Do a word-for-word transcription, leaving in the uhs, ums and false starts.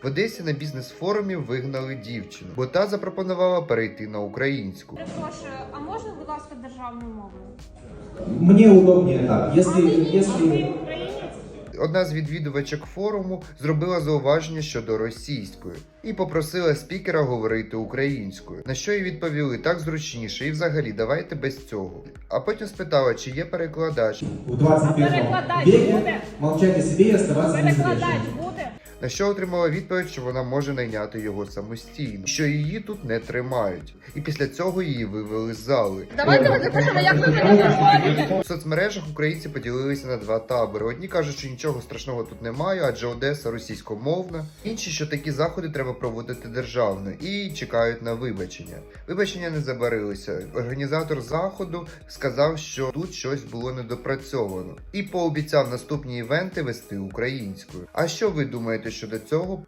В Одесі на бізнес-форумі вигнали дівчину, бо та запропонувала перейти на українську. Перепрошую, а можна, будь ласка, державною мовою? Мне удобнее так. Если, А ви ні, а ви если... українець? Одна з відвідувачок форуму зробила зауваження щодо російської і попросила спікера говорити українською. На що їй відповіли: так зручніше, і взагалі давайте без цього. А потім спитала, чи є перекладач. В двадцать А первом перекладач веке буде? молчать о себе и оставаться Перекладач независимым. буде? На що отримала відповідь, що вона може найняти його самостійно, що її тут не тримають. І після цього її вивели з зали. Давайте ми запишемо, як ви мене заходите. У соцмережах українці поділилися на два табори. Одні кажуть, що нічого страшного тут немає, адже Одеса російськомовна. Інші, що такі заходи треба проводити державно, і чекають на вибачення. Вибачення не забарилися. Організатор заходу сказав, що тут щось було недопрацьовано, і пообіцяв наступні івенти вести українською. А що ви думаєте щодо цього?